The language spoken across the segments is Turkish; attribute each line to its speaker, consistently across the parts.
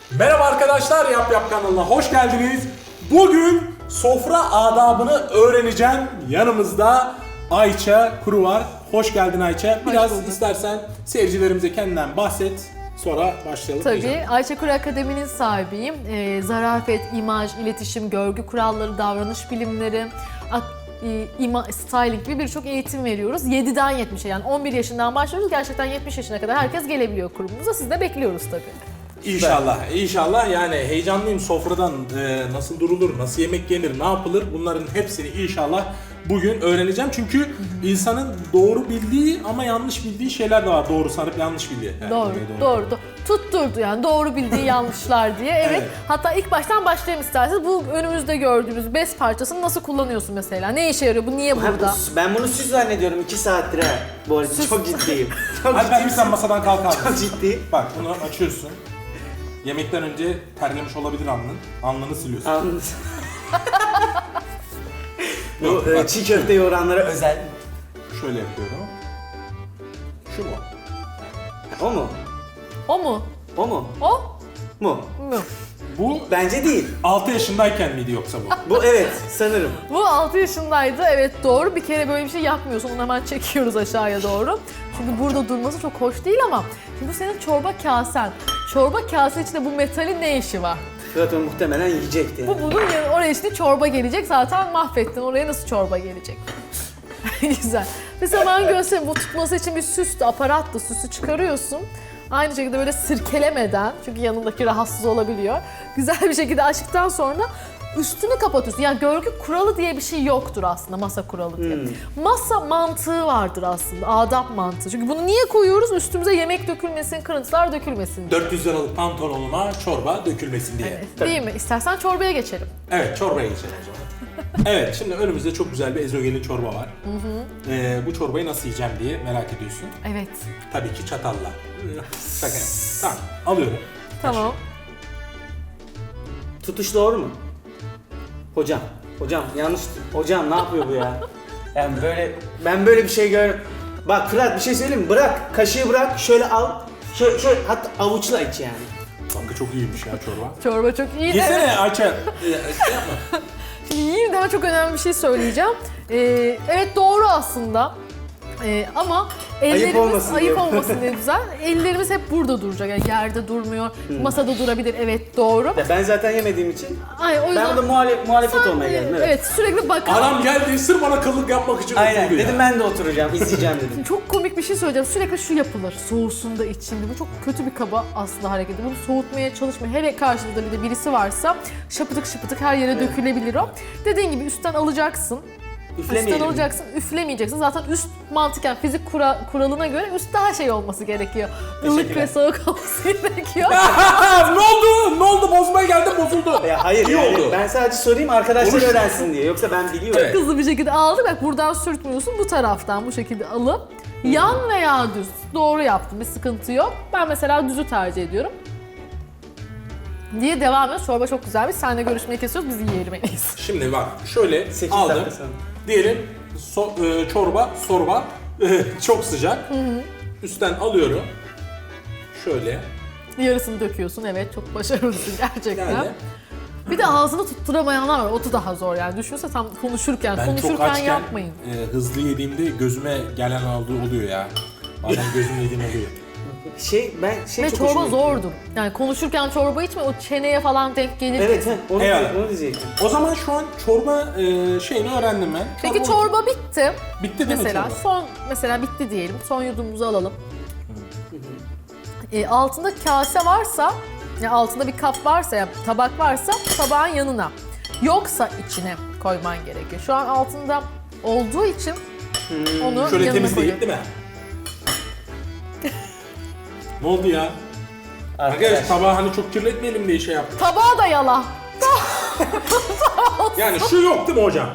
Speaker 1: Merhaba arkadaşlar, Yap Yap kanalına hoş geldiniz. Bugün sofra adabını öğreneceğim. Yanımızda Ayça Kuru var. Hoş geldin Ayça. Biraz istersen seyircilerimize kendinden bahset. Sonra başlayalım.
Speaker 2: Tabii. Ayça Kuru Akademi'nin sahibiyim. Zarafet, imaj, iletişim, görgü kuralları, davranış bilimleri, styling gibi birçok eğitim veriyoruz. 7'den 70'e yani 11 yaşından başlıyoruz. Gerçekten 70 yaşına kadar herkes gelebiliyor kurumumuza. Siz de bekliyoruz tabii.
Speaker 1: İnşallah, inşallah. Yani heyecanlıyım, sofradan nasıl durulur, nasıl yemek yenir, ne yapılır, bunların hepsini inşallah bugün öğreneceğim. Çünkü insanın doğru bildiği ama yanlış bildiği şeyler de var. Doğru sanıp yanlış bildiği.
Speaker 2: Doğru. Tutturdu yani doğru bildiği yanlışlar diye. Evet. Hatta ilk baştan başlayalım isterseniz. Bu önümüzde gördüğümüz bez parçasını nasıl kullanıyorsun mesela? Ne işe yarıyor? Bu niye burada?
Speaker 3: Ben bunu süs zannediyorum 2 saattir ha. Bu arada çok ciddiyim.
Speaker 1: Hadi ben sen masadan kalk abi.
Speaker 3: Çok ciddi.
Speaker 1: Bak bunu açıyorsun. Yemekten önce terlemiş olabilir alnın. Alnını siliyorsun.
Speaker 3: Anladınız. Bu çiğ köfte yoğuranlara özel.
Speaker 1: Şöyle yapıyorum. Şu mu?
Speaker 3: O mu?
Speaker 2: O mu?
Speaker 3: O mu?
Speaker 2: O
Speaker 3: Mu?
Speaker 2: mu?
Speaker 1: Bu
Speaker 3: Bence değil.
Speaker 1: 6 yaşındayken miydi yoksa bu?
Speaker 3: Bu evet sanırım.
Speaker 2: Bu 6 yaşındaydı. Evet doğru. Bir kere böyle bir şey yapmıyorsun. Onu hemen çekiyoruz aşağıya doğru. Çünkü burada durması çok hoş değil ama şimdi bu senin çorba kasen. Çorba kase içinde bu metalin ne işi var?
Speaker 3: Fırat onu muhtemelen yiyecekti.
Speaker 2: Bu bunun oraya işte çorba gelecek. Zaten mahvettin. Oraya nasıl çorba gelecek? Güzel. Mesela ben göstereyim. Bu tutması için bir süslü aparattı. Süsü çıkarıyorsun. Aynı şekilde böyle sirkelemeden, çünkü yanındaki rahatsız olabiliyor. Güzel bir şekilde açtıktan sonra üstünü kapatıyorsun. Yani görgü kuralı diye bir şey yoktur aslında, masa kuralı diye. Masa mantığı vardır aslında, adap mantığı. Çünkü bunu niye koyuyoruz? Üstümüze yemek dökülmesin, kırıntılar dökülmesin diye.
Speaker 1: 400 liralık pantolonuma çorba dökülmesin diye.
Speaker 2: Evet, değil mi? İstersen çorbaya geçelim.
Speaker 1: Evet, çorbaya geçelim o zaman. Evet, şimdi önümüzde çok güzel bir ezogelin çorba var. Bu çorbayı nasıl yiyeceğim diye merak ediyorsun.
Speaker 2: Evet.
Speaker 1: Tabii ki çatalla. Şaka. Tamam, alıyorum.
Speaker 2: Tamam.
Speaker 3: Tutuş doğru mu? Hocam yanlış. Hocam ne yapıyor bu ya? Yani ben böyle bir şey Bak Fırat bir şey söyleyeyim mi? Bırak, kaşığı bırak, şöyle al. Şöyle hatta avuçla iç yani.
Speaker 1: Kanka çok iyiymiş ya çorba.
Speaker 2: Çorba çok iyi.
Speaker 1: Yesene Ayça. Şey yapma.
Speaker 2: İyiyim, daha çok önemli bir şey söyleyeceğim. Evet doğru aslında. Ama ellerimiz
Speaker 3: olmasın diye.
Speaker 2: olmasın diye güzel. Ellerimiz hep burada duracak. Yani yerde durmuyor. Masada durabilir. Evet doğru.
Speaker 3: Ya ben zaten yemediğim için
Speaker 2: Ay, o yüzden
Speaker 3: ben de muhalefet olmaya geldim.
Speaker 2: Evet sürekli bakalım.
Speaker 1: Adam geldi sırf bana kıllık yapmak için
Speaker 3: Aynen
Speaker 1: oturdu ya.
Speaker 3: dedim ben de oturacağım, izleyeceğim dedim.
Speaker 2: Çok komik bir şey söyleyeceğim. Sürekli şu yapılır. Soğusun da içinde. Bu çok kötü bir kaba aslında hareketi. Bunu soğutmaya çalışmayın. Hele karşınızda bir de birisi varsa şapıdık şıpıdık her yere dökülebilir o. Dediğin gibi üstten alacaksın. Üstten
Speaker 3: Üflemeyelim.
Speaker 2: alacaksın, üflemeyeceksin. Zaten üst mantıken fizik kuralına göre üst daha şey olması gerekiyor. Ilık ve soğuk olması gerekiyor.
Speaker 1: Ne oldu? Bozmaya geldim, bozuldu.
Speaker 3: Ya hayır
Speaker 1: İyi
Speaker 3: yani
Speaker 1: oldu.
Speaker 3: ben sadece sorayım arkadaşlar
Speaker 1: Konuşma.
Speaker 3: öğrensin diye. Yoksa ben biliyorum.
Speaker 1: Evet.
Speaker 2: Hızlı bir şekilde aldık. Bak buradan sürtmüyorsun. Bu taraftan bu şekilde alıp yan veya düz. Doğru yaptım. Bir sıkıntı yok. Ben mesela düzü tercih ediyorum. Diye devam ediyoruz. Çorba çok güzelmiş. Seninle görüşmeyi kesiyoruz. Biz yiyelim en iyisi.
Speaker 1: Şimdi bak şöyle
Speaker 3: 8
Speaker 1: aldım.
Speaker 3: dakika sonra.
Speaker 1: Diyelim çorba çok sıcak. Üstten alıyorum. Şöyle.
Speaker 2: Yarısını döküyorsun. Evet çok başarılısın gerçekten.
Speaker 1: Yani
Speaker 2: Bir de ağzını tutturamayanlar var. O da daha zor yani. Düşünsene tam konuşurken.
Speaker 1: ben çok
Speaker 2: konuşurken
Speaker 1: açken
Speaker 2: yapmayın.
Speaker 1: hızlı yediğimde gözüme gelen oluyor ya. Bazen gözüm yediğim oluyor.
Speaker 2: Ve
Speaker 3: çok
Speaker 2: çorba
Speaker 3: hoşuma gitti.
Speaker 2: zordu. Yani konuşurken çorba içme, o çeneye falan denk gelir.
Speaker 3: Evet onu
Speaker 1: Eyvallah.
Speaker 3: diyecektim.
Speaker 1: O zaman şu an çorba şeyini öğrendim ben.
Speaker 2: Peki çorba bitti.
Speaker 1: Bitti değil mi
Speaker 2: Mesela
Speaker 1: çorba?
Speaker 2: mesela bitti diyelim. Son yudumumuzu alalım. Altında kase varsa, ya altında bir kap varsa ya tabak varsa tabağın yanına. Yoksa içine koyman gerekiyor. Şu an altında olduğu için onu
Speaker 1: Şöyle
Speaker 2: yanına
Speaker 1: temizleyip
Speaker 2: koyuyorum.
Speaker 1: değil mi? Ne oldu ya? Arkadaş tabağı hani çok kirletmeyelim diye şey yaptım.
Speaker 2: Tabağı da yala.
Speaker 1: Yani şu yok değil mi hocam?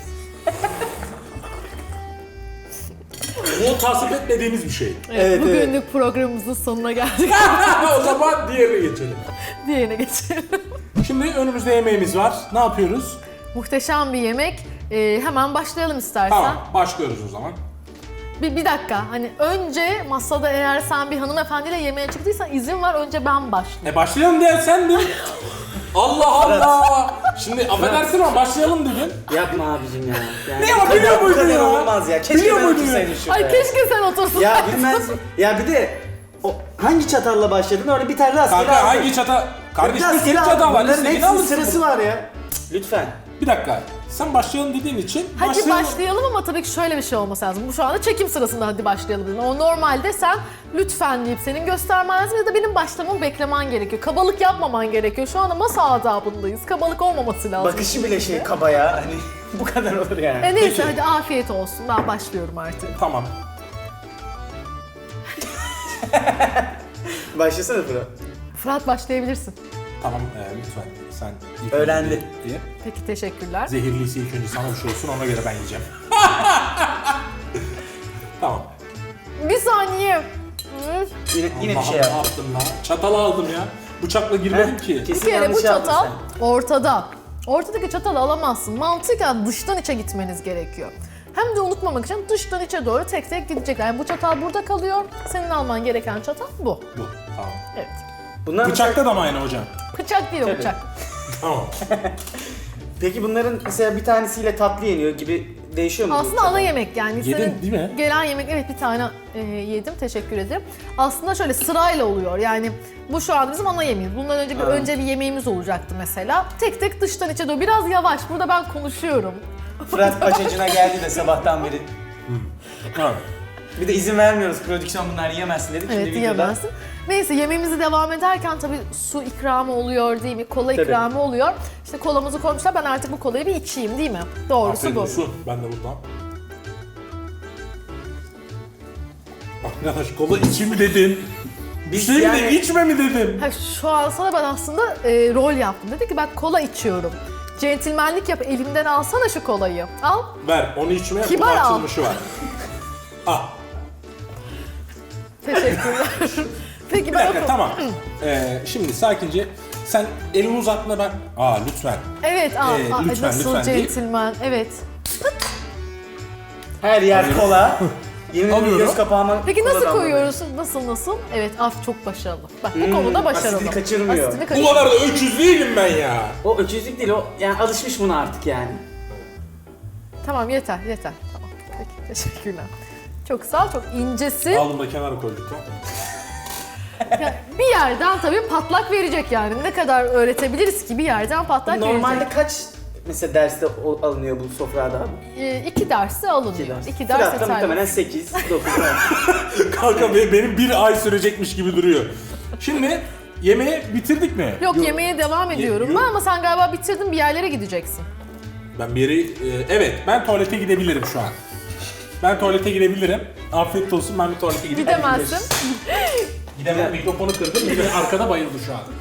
Speaker 1: Bu tasvip etmediğimiz bir şey.
Speaker 3: Evet,
Speaker 2: Bugünlük programımızın sonuna geldik.
Speaker 1: O zaman diğerine geçelim.
Speaker 2: Diğerine geçelim.
Speaker 1: Şimdi önümüzde yemeğimiz var. Ne yapıyoruz?
Speaker 2: Muhteşem bir yemek. Hemen başlayalım istersen.
Speaker 1: Tamam, başlıyoruz o zaman.
Speaker 2: Bir dakika. Hani önce masada eğer sen bir hanımefendiyle yemeğe çıktıysan izin var önce ben başlayayım.
Speaker 1: Başlayalım diye sen de. Allah Allah. Şimdi affedersin ama başlayalım dedin.
Speaker 3: Yapma abicim ya. Yani
Speaker 1: Ne ama biliyor
Speaker 3: bu
Speaker 1: muydun
Speaker 3: kadar
Speaker 1: ya?
Speaker 3: olmaz ya. Keşke
Speaker 1: Biliyor
Speaker 3: ben
Speaker 1: muydun
Speaker 3: otursaydım şurada.
Speaker 2: Ay keşke sen otursun.
Speaker 3: Ya bilmez. Ya bir de hangi çatalla başladın? Orada bir tane rastgele
Speaker 1: Kanka
Speaker 3: aldın.
Speaker 1: hangi çata? Kardeşim bir sürü
Speaker 3: Rastgele
Speaker 1: çata
Speaker 3: aldın.
Speaker 1: var.
Speaker 3: Bunların
Speaker 1: İstediğini
Speaker 3: hepsinin
Speaker 1: alırsın.
Speaker 3: sırası var ya. Cık, lütfen.
Speaker 1: Bir dakika. Sen başlayalım dediğin için
Speaker 2: Hadi başlayalım ama tabii ki şöyle bir şey olması lazım. Bu şu anda çekim sırasında hadi başlayalım dedim. O normalde sen lütfen deyip senin göstermen lazım ya da benim başlamamı beklemen gerekiyor. Kabalık yapmaman gerekiyor. Şu anda masa adabındayız. Kabalık olmaması lazım.
Speaker 3: Bakışı bile şey kaba ya. Hani bu kadar olur yani.
Speaker 2: Neyse
Speaker 1: Peki.
Speaker 2: hadi afiyet olsun. Ben başlıyorum artık.
Speaker 1: Tamam.
Speaker 3: Başlasana Fırat.
Speaker 2: Fırat başlayabilirsin.
Speaker 1: Tamam lütfen sen ilk
Speaker 3: Öğrendi.
Speaker 1: önce ye.
Speaker 2: Peki teşekkürler.
Speaker 1: Zehirliyse ilk önce sana bir şey olsun ona göre ben yiyeceğim. Tamam.
Speaker 2: Bir saniye. Hı.
Speaker 3: Yine bir
Speaker 1: Allah'ım,
Speaker 3: şey
Speaker 1: ne
Speaker 3: yap.
Speaker 1: yaptım lan? Çatalı aldım ya. Bıçakla girmedim ki.
Speaker 2: Bir
Speaker 3: Kesin
Speaker 2: kere bu
Speaker 3: yanlış yaptın
Speaker 2: çatal
Speaker 3: sen.
Speaker 2: ortada. Ortadaki çatalı alamazsın. Mantıken dıştan içe gitmeniz gerekiyor. Hem de unutmamak için dıştan içe doğru tek tek gidecekler. Yani bu çatal burada kalıyor. Senin alman gereken çatal bu.
Speaker 1: Bu. Tamam.
Speaker 2: Evet.
Speaker 3: Bunlar
Speaker 1: Bıçakta da mı aynı hocam?
Speaker 2: Bıçak değil o
Speaker 3: Tabii.
Speaker 2: bıçak.
Speaker 1: Tamam.
Speaker 3: Peki bunların mesela bir tanesiyle tatlı yeniyor gibi değişiyor mu?
Speaker 2: Aslında ana yemek yani.
Speaker 1: Yedin
Speaker 2: Senin
Speaker 1: değil mi?
Speaker 2: gelen yemek evet bir tane yedim. Teşekkür ederim. Aslında şöyle sırayla oluyor. Yani bu şu anda bizim ana yemeğimiz. Bundan önce önce bir yemeğimiz olacaktı mesela. Tek tek dıştan içe doğru. Biraz yavaş. Burada ben konuşuyorum.
Speaker 3: Fırat paçacına geldi de sabahtan beri.
Speaker 1: Tamam.
Speaker 3: Bir de izin vermiyoruz prodüksiyon bunlar yiyemezsin dedik.
Speaker 2: Evet
Speaker 3: Şimdi videoda.
Speaker 2: yiyemezsin. Neyse yemeğimizi devam ederken tabii su ikramı oluyor değil mi? Kola
Speaker 3: Tabii.
Speaker 2: ikramı oluyor. İşte kolamızı koymuşlar. Ben artık bu kolayı bir içeyim değil mi? Doğrusu
Speaker 1: Aferin
Speaker 2: bu.
Speaker 1: su. Ben de buradan. Arkadaş kola içim dedin.
Speaker 3: Biz
Speaker 1: Şey mi
Speaker 3: yani-
Speaker 1: de içme mi dedim.
Speaker 2: Ha, şu an sana ben aslında rol yaptım. Dedi ki ben kola içiyorum. Centilmenlik yap, elimden alsana şu kolayı. Al.
Speaker 1: Ver onu içmeye
Speaker 2: Kibar
Speaker 1: bunun
Speaker 2: al.
Speaker 1: açılmışı var. Ah.
Speaker 2: Teşekkürler. Peki
Speaker 1: Bir
Speaker 2: ben
Speaker 1: dakika tamam. Şimdi sakince sen elini uzatma ben. Lütfen.
Speaker 2: Evet,
Speaker 1: Lütfen,
Speaker 2: nasıl
Speaker 1: lütfen değil.
Speaker 2: centilmen. Evet.
Speaker 3: Her yer kola. Yemin ederim
Speaker 1: Alıyorum.
Speaker 3: göz kapağıma
Speaker 2: Peki nasıl
Speaker 3: koladan
Speaker 2: koyuyoruz? Nasıl? Evet, çok başarılı. Bak bu konuda başarılı.
Speaker 3: asitini kaçırmıyor.
Speaker 2: Asitini
Speaker 1: Bu
Speaker 2: kaçırmıyor.
Speaker 1: kadar da öküz değilim ben ya.
Speaker 3: O öküzlük değil o yani alışmış buna artık yani.
Speaker 2: Tamam yeter. Tamam. Peki teşekkürler. Çok sağ ol, çok incesin.
Speaker 1: Aldım da kenara koyduk ya.
Speaker 2: Ya, bir yerden tabii patlak verecek yani. Ne kadar öğretebiliriz ki bir yerden patlak
Speaker 3: Normalde
Speaker 2: verecek.
Speaker 3: kaç mesela derste alınıyor bu sofrada?
Speaker 2: 2 dersi alınıyor. 2 ders
Speaker 3: Fırat'ta
Speaker 2: yeterli.
Speaker 3: muhtemelen 8, 9.
Speaker 1: Kanka benim bir ay sürecekmiş gibi duruyor. Şimdi yemeği bitirdik mi?
Speaker 2: Yok yemeğe devam ediyorum ben ama sen galiba bitirdin bir yerlere gideceksin.
Speaker 1: Ben bir yere... evet ben tuvalete gidebilirim şu an. Ben tuvalete gidebilirim. Afiyet olsun ben bir tuvalete gideyim.
Speaker 2: Gidemezsin.
Speaker 1: Gidemem mikrofonu kırdım. Bir de arkada bayıldı şu an.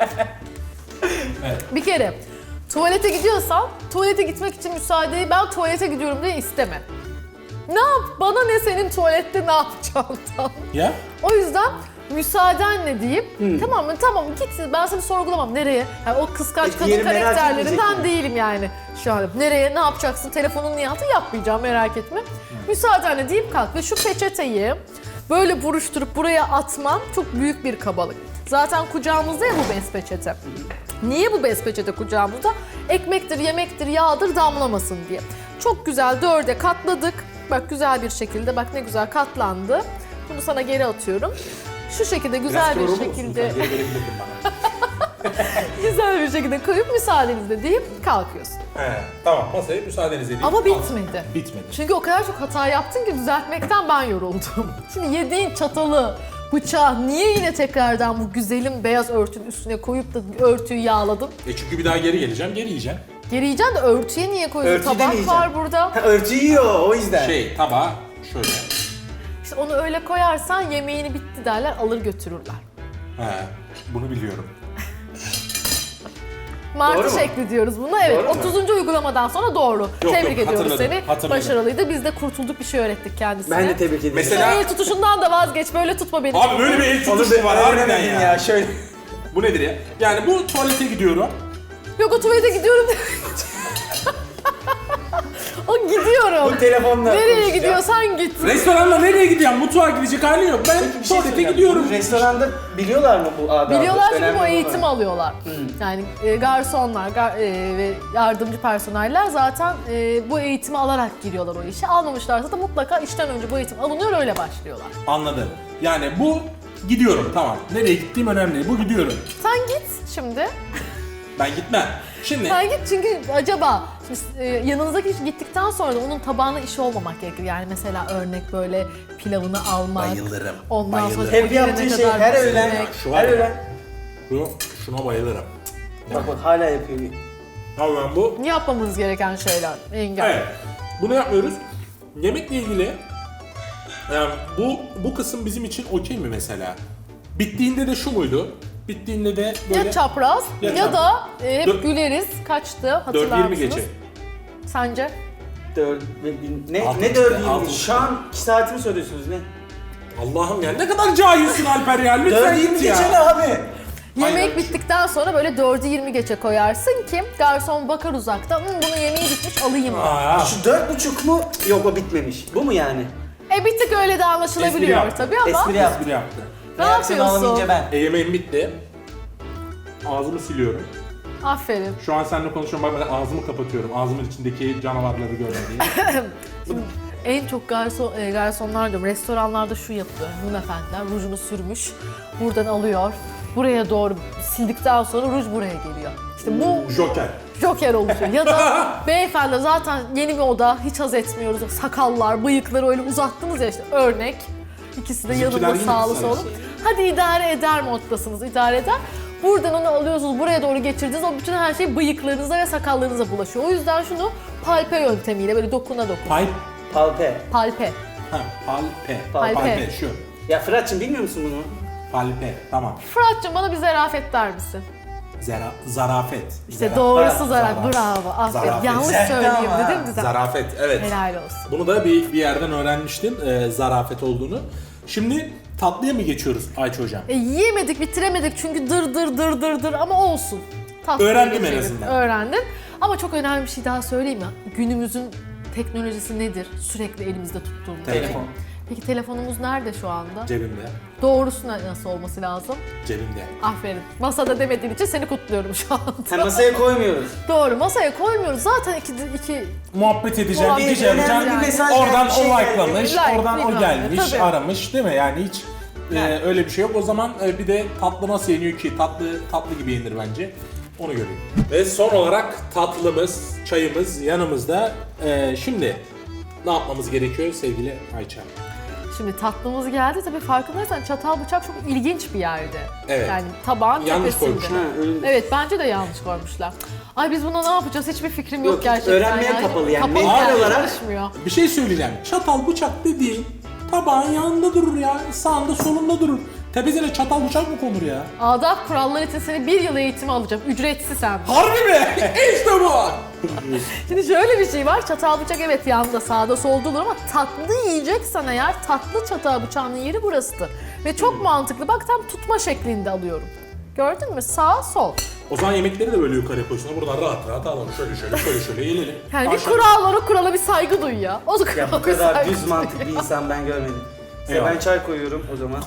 Speaker 1: Evet.
Speaker 2: Bir kere tuvalete gidiyorsan tuvalete gitmek için müsaadeyi ben tuvalete gidiyorum diye isteme. Ne yap? Bana ne senin tuvalette ne yapacağından.
Speaker 1: Ya?
Speaker 2: O yüzden müsaadenle deyip tamam mı tamam git ben seni sorgulamam nereye? Yani o kıskanç kadın
Speaker 3: diğeri merak
Speaker 2: karakterlerinden
Speaker 3: etmeyecek mi?
Speaker 2: değilim yani şu an. Nereye ne yapacaksın telefonun niye altı yapmayacağım merak etme. Müsaadenle deyip kalk ve şu peçeteyi böyle buruşturup buraya atman çok büyük bir kabalık. Zaten kucağımızda ya bu bez peçete. Niye bu bez peçete kucağımızda? Ekmektir, yemektir, yağdır damlamasın diye. Çok güzel 4'e katladık. Bak güzel bir şekilde bak ne güzel katlandı. Bunu sana geri atıyorum. Şu şekilde güzel bir şekilde
Speaker 1: Geri verebilirdin bana.
Speaker 2: güzel bir şekilde koyup müsaadenizle deyip kalkıyorsun.
Speaker 1: Tamam masaya müsaadeniz edeyim.
Speaker 2: Ama bitmedi.
Speaker 1: Bitmedi.
Speaker 2: Çünkü o kadar çok hata yaptın ki düzeltmekten ben yoruldum. Şimdi yediğin çatalı, bıçağı niye yine tekrardan bu güzelim beyaz örtünün üstüne koyup da örtüyü yağladın?
Speaker 1: Çünkü bir daha geri geleceğim, geri yiyeceğim.
Speaker 2: Geri yiyeceksin de örtüye niye koyuyorsun?
Speaker 3: Örtüyü de
Speaker 2: Tabak
Speaker 3: yiyeceğim.
Speaker 2: var burada.
Speaker 3: Ha, örtü yiyor o yüzden.
Speaker 1: Tabağa şöyle.
Speaker 2: İşte onu öyle koyarsan yemeğini bitti derler, alır götürürler.
Speaker 1: Bunu biliyorum.
Speaker 2: Martı
Speaker 3: Doğru mu?
Speaker 2: şekli diyoruz buna. Evet,
Speaker 3: Doğru mu?
Speaker 2: 30. uygulamadan sonra doğru. Tebrik ediyoruz
Speaker 1: hatırladım,
Speaker 2: seni.
Speaker 1: hatırladım.
Speaker 2: Başarılıydı. Biz de kurtulduk bir şey öğrettik kendisine.
Speaker 3: Ben de tebrik ederim.
Speaker 1: Mesela-
Speaker 2: El tutuşundan da vazgeç, böyle tutma beni.
Speaker 1: Abi böyle bir el
Speaker 3: Onu
Speaker 1: tutuşu var harbiden
Speaker 3: öğrenemedim
Speaker 1: ya.
Speaker 3: Şöyle.
Speaker 1: Bu nedir ya? Yani bu tuvalete gidiyorum.
Speaker 2: Yok o tuvalete gidiyorum. O gidiyorum.
Speaker 3: Bu telefonla
Speaker 2: Nereye
Speaker 3: konuşacağım.
Speaker 2: gidiyorsan git.
Speaker 1: Restoranda nereye gidiyorsun? Mutfağa gidecek halin yok. Ben
Speaker 3: Bir şey
Speaker 1: tuvalete
Speaker 3: söyleyeceğim.
Speaker 1: gidiyorum.
Speaker 3: Bu restoranda biliyorlar mı bu adabı?
Speaker 2: Biliyorlar çünkü
Speaker 3: Önemli
Speaker 2: bu
Speaker 3: olan.
Speaker 2: eğitim alıyorlar. Yani garsonlar ve yardımcı personeller zaten bu eğitimi alarak giriyorlar o işe. Almamışlarsa da mutlaka işten önce bu eğitim alınıyor, öyle başlıyorlar.
Speaker 1: Anladım. Yani bu gidiyorum, tamam. Nereye gittiğim önemli değil. Bu gidiyorum.
Speaker 2: Sen git şimdi.
Speaker 1: Ben gitmem. Şimdi
Speaker 2: Sen git çünkü acaba şimdi, yanınızdaki kişi gittikten sonra da onun tabağına iş olmamak gerekir. Yani mesela örnek böyle pilavını almak.
Speaker 1: Bayılırım,
Speaker 2: Ondan sonra
Speaker 1: bayılırım.
Speaker 2: o
Speaker 3: Hep
Speaker 2: gelene
Speaker 3: yaptığı şey
Speaker 2: kadar
Speaker 3: her
Speaker 2: bitirmek.
Speaker 3: öğlen.
Speaker 1: Şu var
Speaker 3: Her
Speaker 1: ya.
Speaker 3: öğlen.
Speaker 1: şuna bayılırım.
Speaker 3: Bak hala yapıyor.
Speaker 1: Abi ben bu.
Speaker 2: Yapmamız gereken şeyler. Engel.
Speaker 1: Evet. Bunu yapmıyoruz. Yemekle ilgili yani bu kısım bizim için okey mi mesela? Bittiğinde de şu muydu? Bittiğinde de böyle
Speaker 2: Ya çapraz
Speaker 1: Ya
Speaker 2: ya, da hep
Speaker 1: Dört-
Speaker 2: güleriz. Kaçtı hatırlar
Speaker 1: 4-20
Speaker 2: mısınız?
Speaker 1: geçe.
Speaker 2: Sence?
Speaker 3: Ne
Speaker 1: Altı
Speaker 3: ne
Speaker 1: işte,
Speaker 3: 4
Speaker 1: altı.
Speaker 3: Şu an 2 saatimi soruyorsunuz ne?
Speaker 1: Allah'ım ya ne kadar cahilsin Alper ya. Lütfen
Speaker 3: 4
Speaker 1: git
Speaker 3: 20
Speaker 1: ya.
Speaker 3: geçe ne abi?
Speaker 2: Yemek
Speaker 1: Aynen.
Speaker 2: bittikten sonra böyle 4'ü 20 geçe koyarsın ki garson bakar uzakta. Bunun yemeği bitmiş alayım mı?
Speaker 1: Aa,
Speaker 3: Şu 4,5 mu? Yok o bitmemiş. Bu mu yani?
Speaker 2: Bir tık öyle de
Speaker 1: Espri
Speaker 2: anlaşılabiliyor
Speaker 1: yaptı.
Speaker 2: tabii ama.
Speaker 3: Espri yap.
Speaker 1: espri yaptı.
Speaker 2: Ne
Speaker 3: Reaksiyon
Speaker 2: yapıyorsun?
Speaker 3: alamayınca ben.
Speaker 1: Yemeğim bitti. Ağzımı siliyorum.
Speaker 2: Aferin.
Speaker 1: Şu an seninle konuşuyorum. Bak ben ağzımı kapatıyorum. Ağzımın içindeki canavarları görmediğim.
Speaker 2: En çok garsonlar diyorum, restoranlarda şu yapıyor. Hanımefendiler rujunu sürmüş, buradan alıyor, buraya doğru sildikten sonra ruj buraya geliyor. İşte bu
Speaker 1: Joker.
Speaker 2: joker oluşuyor. Ya da beyefendi zaten yeni bir oda, hiç haz etmiyoruz. Sakallar, bıyıkları öyle uzattınız ya işte örnek. İkisi de
Speaker 1: Bizimkiler
Speaker 2: yanında
Speaker 1: yine
Speaker 2: sağlı
Speaker 1: kısa
Speaker 2: sollu. Hadi idare eder moddasınız, idare eder. Buradan onu alıyorsunuz, buraya doğru geçirdiniz. O bütün her şey bıyıklarınıza ve sakallarınıza bulaşıyor. O yüzden şunu palpe yöntemiyle böyle dokuna.
Speaker 1: Pipe.
Speaker 3: Palpe.
Speaker 2: Palpe.
Speaker 1: Ha, palpe.
Speaker 2: Palpe.
Speaker 1: Palpe şu.
Speaker 3: Ya Fırat'cığım bilmiyor musun bunu?
Speaker 1: Palpe. Tamam.
Speaker 2: Fırat'cığım bana bir zarafet der misin?
Speaker 1: Zarafet.
Speaker 2: İşte doğrusu
Speaker 1: zarafet.
Speaker 2: bravo. Aferin.
Speaker 1: Zarafet.
Speaker 2: Yanlış
Speaker 3: Güzel
Speaker 2: söyleyeyim
Speaker 3: ama.
Speaker 2: dedim güzel.
Speaker 1: Zarafet. Evet.
Speaker 2: Helal olsun.
Speaker 1: Bunu da bir yerden öğrenmiştim. Zarafet olduğunu. Şimdi tatlıya mı geçiyoruz Ayça hocam?
Speaker 2: Yiyemedik, bitiremedik çünkü dır ama olsun. Tatlıya
Speaker 1: Öğrendim en
Speaker 2: geçelim.
Speaker 1: azından.
Speaker 2: Öğrendim. Ama çok önemli bir şey daha söyleyeyim mi? Günümüzün teknolojisi nedir? Sürekli elimizde tuttuğumuz.
Speaker 3: Telefon.
Speaker 2: Peki telefonumuz nerede şu anda?
Speaker 1: Cebimde.
Speaker 2: Doğrusu nasıl olması lazım?
Speaker 1: Cebimde.
Speaker 2: Aferin. Masada demediğin için seni kutluyorum şu anda.
Speaker 3: Hem masaya koymuyoruz.
Speaker 2: Doğru, masaya koymuyoruz. Zaten iki
Speaker 1: Muhabbet edeceğim,
Speaker 2: Muhabbet
Speaker 1: bir şey
Speaker 2: edeceğim.
Speaker 1: yapacağım.
Speaker 2: Bir
Speaker 3: mesaj
Speaker 1: Oradan
Speaker 3: geldi, bir şey
Speaker 1: o
Speaker 3: geldi.
Speaker 1: like'lamış,
Speaker 2: Like,
Speaker 1: oradan o
Speaker 2: bilmem
Speaker 1: gelmiş,
Speaker 2: ne, tabii.
Speaker 1: aramış değil mi? Yani hiç öyle bir şey yok. O zaman bir de tatlı nasıl yeniyor ki? Tatlı gibi yenir bence. Onu göreyim. Ve son olarak tatlımız, çayımız yanımızda. Şimdi ne yapmamız gerekiyor sevgili Ayça?
Speaker 2: Şimdi tatlımız geldi. Tabii farkındaysan çatal bıçak çok ilginç bir yerde.
Speaker 1: Evet.
Speaker 2: Yani tabağın
Speaker 1: Yanlış
Speaker 2: tepesinde.
Speaker 1: koymuşlar.
Speaker 3: Ha, öyle.
Speaker 2: Evet bence de yanlış koymuşlar. Ay biz buna ne yapacağız? Hiçbir fikrim yok
Speaker 3: Yok,
Speaker 2: gerçekten.
Speaker 3: öğrenmeye kapalı yani.
Speaker 2: Kapalı
Speaker 3: Mental
Speaker 2: yani,
Speaker 3: olarak-
Speaker 2: çalışmıyor.
Speaker 1: Bir şey söyleyeceğim. Çatal bıçak dediğin tabağın yanında durur ya. Sağında solunda durur. Tepesine çatal bıçak mı konur ya?
Speaker 2: Adab kuralları için seni 1 yıl eğitimi alacağım. Ücretsiz hem. de.
Speaker 1: Harbi mi? İşte bu.
Speaker 2: Şimdi şöyle bir şey var. Çatal bıçak evet yanında sağda solda olur ama tatlı yiyeceksen eğer tatlı çatal bıçağının yeri burasıdır. Ve çok mantıklı. Bak tam tutma şeklinde alıyorum. Gördün mü? Sağ sol.
Speaker 1: O zaman yemekleri de böyle yukarı koysunlar. Buradan rahat alalım. Şöyle yiyelim.
Speaker 2: Yani bir
Speaker 1: Aşağı-
Speaker 2: kural var, o kurala bir saygı duy ya. O da
Speaker 3: Ya
Speaker 2: kurala
Speaker 3: bu
Speaker 2: bir
Speaker 3: kadar
Speaker 2: saygı
Speaker 3: düz
Speaker 2: duy.
Speaker 3: mantık bir insan ben görmedim. Size
Speaker 1: Eyvallah.
Speaker 3: ben çay koyuyorum o zaman.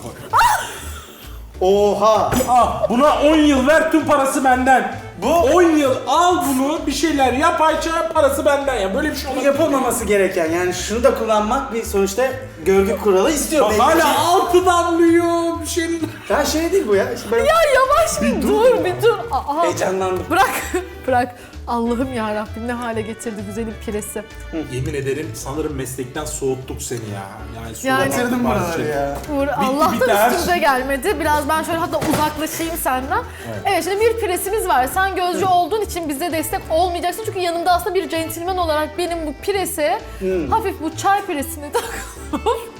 Speaker 3: Oha!
Speaker 1: Ah, buna 10 yıl ver, tüm parası benden.
Speaker 3: Bu-
Speaker 1: 10 yıl al bunu, bir şeyler yap Ayça, parası benden ya. Böyle bir şey
Speaker 3: Bu
Speaker 1: olmaz.
Speaker 3: yapılmaması gereken yani şunu da kullanmak bir sonuçta görgü kuralı istiyor.
Speaker 1: Bak
Speaker 3: Belki
Speaker 1: hala altı damlıyor bir şey.
Speaker 3: Ben şey değil bu ya. İşte ben
Speaker 2: Ya yavaş bir dur, bir dur. Aa,
Speaker 3: heyecanlandım.
Speaker 2: bırak. Allah'ım ya Rabbim ne hale getirdi güzelim piresi.
Speaker 1: Yemin ederim sanırım meslekten soğuttuk seni ya. Yani suda
Speaker 2: Yani-
Speaker 1: battık
Speaker 3: Bitirdim
Speaker 1: bazı
Speaker 3: buraları
Speaker 1: şeyler.
Speaker 3: ya.
Speaker 2: Uğur, Allah'tan
Speaker 1: bitti her
Speaker 2: üstümüze gelmedi. Biraz ben şöyle hatta uzaklaşayım senden. Evet şimdi bir presimiz var. Sen gözcü olduğun için bize destek olmayacaksın. Çünkü yanımda aslında bir centilmen olarak benim bu pirese hafif bu çay piresini takıp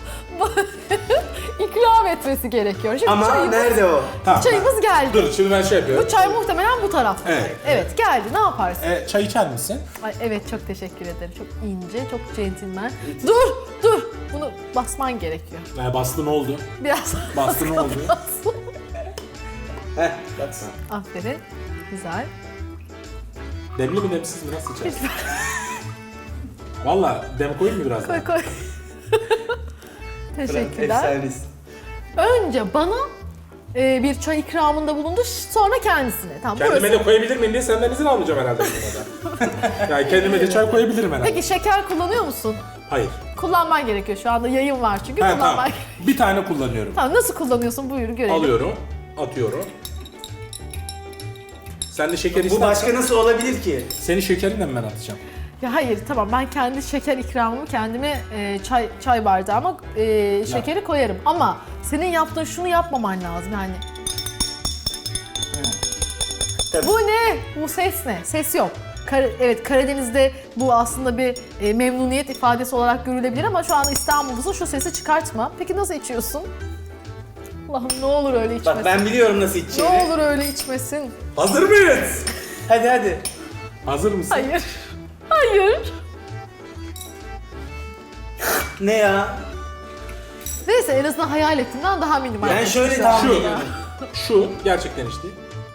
Speaker 2: ikram etmesi gerekiyor. Şimdi
Speaker 3: Ama
Speaker 2: çayımız,
Speaker 3: nerede o?
Speaker 1: Tamam.
Speaker 2: çayımız geldi.
Speaker 1: Dur şimdi ben şey yapıyorum.
Speaker 2: Bu çay muhtemelen bu tarafta.
Speaker 1: Evet,
Speaker 2: Evet geldi. Ne yaparsın?
Speaker 1: Çay içer misin?
Speaker 2: Ay, evet çok teşekkür ederim. Çok ince, çok centilmen. Dur. Bunu basman gerekiyor.
Speaker 1: Bastı ne oldu?
Speaker 2: Biraz
Speaker 1: Bastı ne oldu?
Speaker 3: Heh baksana.
Speaker 2: Aferin. Güzel.
Speaker 1: Demli mi demsiz mi nasıl içersin? Valla dem koyayım mı biraz daha?
Speaker 2: Koy koy. Teşekkürler.
Speaker 3: Efsanesin.
Speaker 2: Önce bana bir çay ikramında bulundu, sonra kendisine. Tamam,
Speaker 1: Kendime
Speaker 2: burası.
Speaker 1: de koyabilir miyim diye senden izin almayacağım herhalde bu konuda. Yani kendime de çay koyabilirim herhalde.
Speaker 2: Peki şeker kullanıyor musun?
Speaker 1: Hayır.
Speaker 2: Kullanman gerekiyor, şu anda yayın var çünkü
Speaker 1: Ha,
Speaker 2: kullanman
Speaker 1: tamam.
Speaker 2: gerekiyor.
Speaker 1: Bir tane kullanıyorum.
Speaker 2: Tamam, nasıl kullanıyorsun buyur görelim.
Speaker 1: Alıyorum, atıyorum. Sen de şeker
Speaker 3: Bu
Speaker 1: istersen
Speaker 3: başka nasıl olabilir ki?
Speaker 1: senin şekerini de ben atacağım.
Speaker 2: Ya hayır tamam, ben kendi şeker ikramımı kendime çay bardağıma şekeri koyarım ama senin yaptığın şunu yapmaman lazım yani.
Speaker 3: Tabii.
Speaker 2: Bu ne? Bu ses ne? Ses yok. Evet, Karadeniz'de bu aslında bir memnuniyet ifadesi olarak görülebilir ama şu an İstanbul'da şu sesi çıkartma. Peki nasıl içiyorsun? Allah'ım ne olur öyle içmesin.
Speaker 3: Bak ben biliyorum nasıl
Speaker 2: Ne
Speaker 3: içeceğini.
Speaker 2: olur öyle içmesin.
Speaker 1: Hazır mıyız?
Speaker 3: Hadi.
Speaker 1: Hazır mısın?
Speaker 2: Hayır. Hayır.
Speaker 3: Ne ya?
Speaker 2: Neyse, en azından hayal ettiğimden daha minimal.
Speaker 3: Ben şöyle
Speaker 2: Şu
Speaker 3: tahmin
Speaker 2: an.
Speaker 3: ediyordum.
Speaker 1: Şu gerçekten işte.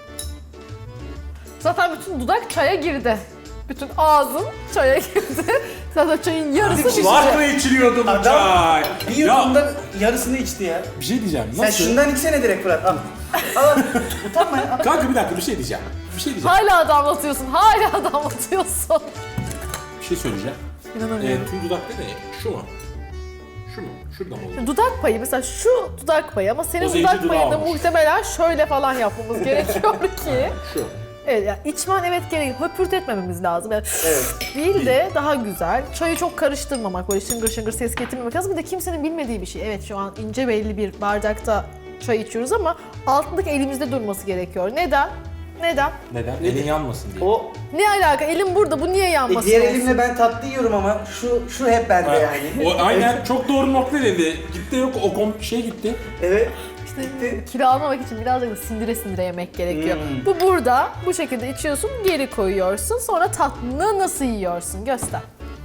Speaker 2: Zaten bütün dudak çaya girdi. Bütün ağzın çaya girdi. Zaten çayın yarısı şişecek.
Speaker 1: Var mı içiliyordu bu
Speaker 3: Adam
Speaker 1: çay?
Speaker 3: bir
Speaker 1: Ya
Speaker 3: yudumda yarısını içti ya.
Speaker 1: bir şey diyeceğim.
Speaker 3: Sen
Speaker 1: Nasıl?
Speaker 3: şundan içsene direkt Fırat. Al. Al. Utanma ya.
Speaker 1: Kanka bir dakika bir şey diyeceğim. Bir şey diyeceğim.
Speaker 2: Hala damlatıyorsun, hala damlatıyorsun.
Speaker 1: Bir şey söyleyeceğim.
Speaker 2: İnanamıyorum.
Speaker 1: Tüm dudak ne? Şu mu? Şu mu? Şurada mı oluyor?
Speaker 2: Dudak payı mesela şu dudak payı ama senin
Speaker 1: O zenci
Speaker 2: dudak
Speaker 1: dudağı
Speaker 2: payında
Speaker 1: olmuş.
Speaker 2: muhtemelen şöyle falan yapmamız gerekiyor ki.
Speaker 1: Şu.
Speaker 2: Evet yani içmen evet gerek, höpürtetmememiz lazım. Yani
Speaker 3: Evet.
Speaker 2: değil de daha güzel. Çayı çok karıştırmamak, böyle şıngır şıngır ses getirmemek lazım. Bir de kimsenin bilmediği bir şey. Evet şu an ince belli bir bardakta çay içiyoruz ama altındaki elimizde durması gerekiyor. Neden? Neden?
Speaker 1: Neden? Elin yanmasın diye.
Speaker 3: O
Speaker 2: Ne alaka? Elim burada, bu niye yanmasın?
Speaker 3: diğer
Speaker 2: olsun?
Speaker 3: elimle ben tatlı yiyorum ama şu hep bende yani.
Speaker 1: O aynen çok doğru nokta dedi. Gitti yok o şey gitti.
Speaker 3: Evet.
Speaker 2: İşte kilo almamak için birazcık da sindire sindire yemek gerekiyor.
Speaker 3: Hmm.
Speaker 2: Bu burada, bu şekilde içiyorsun, geri koyuyorsun. Sonra tatlını nasıl yiyorsun? Göster.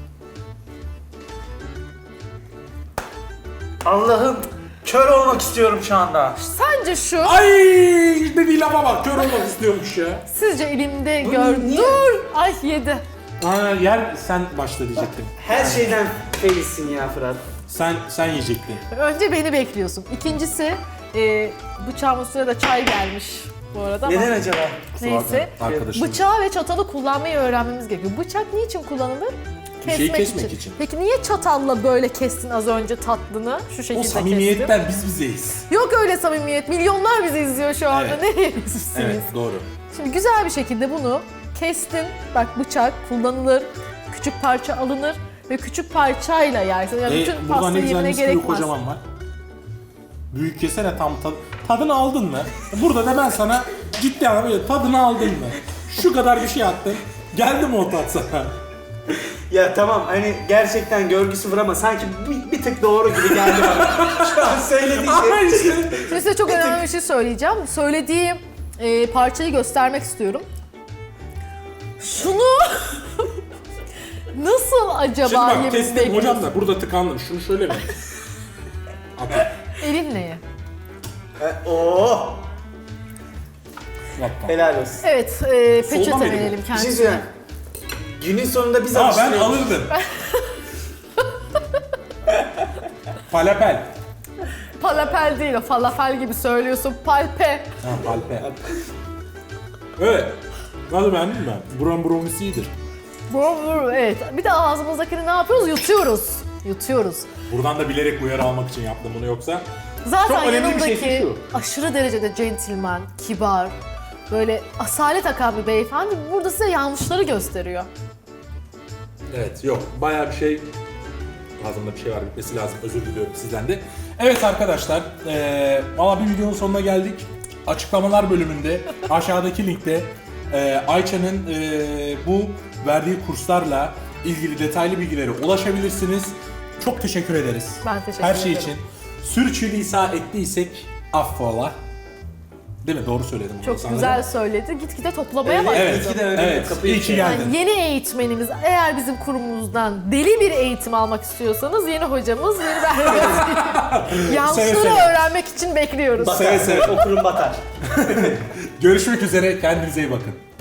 Speaker 3: Allah'ım kör olmak istiyorum şu anda.
Speaker 2: Sence şu,
Speaker 1: Ay dediği lafa bak kör olmak istiyormuş ya.
Speaker 2: sizce elimde
Speaker 3: Bu
Speaker 2: gör...
Speaker 3: niye?
Speaker 2: Dur! Ay yedi.
Speaker 1: Aa, yer sen başla diyecektin.
Speaker 3: Her şeyden feyizsin ya Fırat.
Speaker 1: Sen yiyecektin.
Speaker 2: Önce beni bekliyorsun. İkincisi, bıçağımın üstüne de çay gelmiş bu arada ama
Speaker 3: Neden acaba?
Speaker 2: neyse.
Speaker 1: Arkadaşım.
Speaker 2: Bıçağı ve çatalı kullanmayı öğrenmemiz gerekiyor. Bıçak niçin kullanılır?
Speaker 1: Bir şeyi kesmek için.
Speaker 2: Peki niye çatalla böyle kestin az önce tatlını? Şu şekilde
Speaker 1: O
Speaker 2: kestin.
Speaker 1: samimiyetten biz bizeyiz.
Speaker 2: Yok öyle samimiyet. Milyonlar bizi izliyor şu anda.
Speaker 1: Evet.
Speaker 2: Nereye sizsiniz?
Speaker 1: Evet doğru.
Speaker 2: Şimdi güzel bir şekilde bunu kestin. Bak bıçak kullanılır. Küçük parça alınır ve küçük parçayla yersin. Yani bütün
Speaker 1: Burada
Speaker 2: pasta
Speaker 1: ne güzel
Speaker 2: yemine
Speaker 1: mis gibi
Speaker 2: gerekmez.
Speaker 1: kocaman var. Büyük kesene tam tadını aldın mı? Burada da ben sana ciddi anlamda böyle tadını aldın mı? Şu kadar bir şey attın. Geldi mi o tat sana?
Speaker 3: Ya tamam hani gerçekten görgü sıfır ama sanki bir tık doğru gibi geldi bana. Şu an söylediğin
Speaker 1: Ama
Speaker 3: şey.
Speaker 1: işte.
Speaker 2: Şimdi size çok önemli bir şey söyleyeceğim. Söylediğim parçayı göstermek istiyorum. Şunu nasıl acaba
Speaker 1: Şimdi bak
Speaker 2: yememiz
Speaker 1: kestim
Speaker 2: bekliyorsun?
Speaker 1: hocam da burada tıkandım. Şunu şöyle mi? At.
Speaker 2: Elin neye?
Speaker 3: Oo.
Speaker 1: Yapma.
Speaker 3: Helal olsun.
Speaker 2: Evet,
Speaker 1: Solda
Speaker 2: peçete
Speaker 1: mıydı bu?
Speaker 2: verelim
Speaker 3: Bir şey
Speaker 2: kendisine.
Speaker 3: söyleyeyim. Günün sonunda biz
Speaker 1: Ha ben
Speaker 3: alıştırıyoruz.
Speaker 1: alırdım. Falafel.
Speaker 2: Falafel değil o, falafel gibi söylüyorsun. Palpe.
Speaker 1: Ha palpe. Evet. Nasıl beğendin mi? Buram bromisi iyidir.
Speaker 2: Evet. Bir de ağzımızdakini ne yapıyoruz? Yutuyoruz. Yutuyoruz.
Speaker 1: Buradan da bilerek uyarı almak için yaptım bunu yoksa.
Speaker 2: Zaten
Speaker 1: Çok önemli bir
Speaker 2: yanımdaki
Speaker 1: şey şu.
Speaker 2: aşırı derecede centilmen, kibar, böyle asalet akan bir beyefendi burada size yanlışları gösteriyor.
Speaker 1: Evet yok bayağı bir şey. Ağzımda bir şey var bitmesi lazım. Özür diliyorum sizden de. Evet arkadaşlar. Valla bir videonun sonuna geldik. Açıklamalar bölümünde aşağıdaki linkte Ayça'nın bu verdiği kurslarla ilgili detaylı bilgilere ulaşabilirsiniz. Çok teşekkür ederiz.
Speaker 2: Ben teşekkür
Speaker 1: Her şey
Speaker 2: ederim.
Speaker 1: için. Sürçülisan ettiysek affola. Değil mi? Doğru söyledim. bunu
Speaker 2: Çok
Speaker 1: sanırım.
Speaker 2: güzel söyledi. Gitgide toplamaya
Speaker 3: Evet,
Speaker 2: başladı.
Speaker 1: Evet,
Speaker 3: İyi ki de öyle
Speaker 1: evet.
Speaker 3: kapıyı
Speaker 1: İyi ki
Speaker 3: açıyor.
Speaker 1: geldin.
Speaker 2: Yani yeni eğitmenimiz, eğer bizim kurumumuzdan deli bir eğitim almak istiyorsanız yeni hocamız, yeni
Speaker 1: Seve
Speaker 2: yanlışları
Speaker 1: seve.
Speaker 2: öğrenmek için bekliyoruz.
Speaker 3: Batar.
Speaker 1: Seve seve.
Speaker 3: Okurum batar.
Speaker 1: Görüşmek üzere. Kendinize iyi bakın.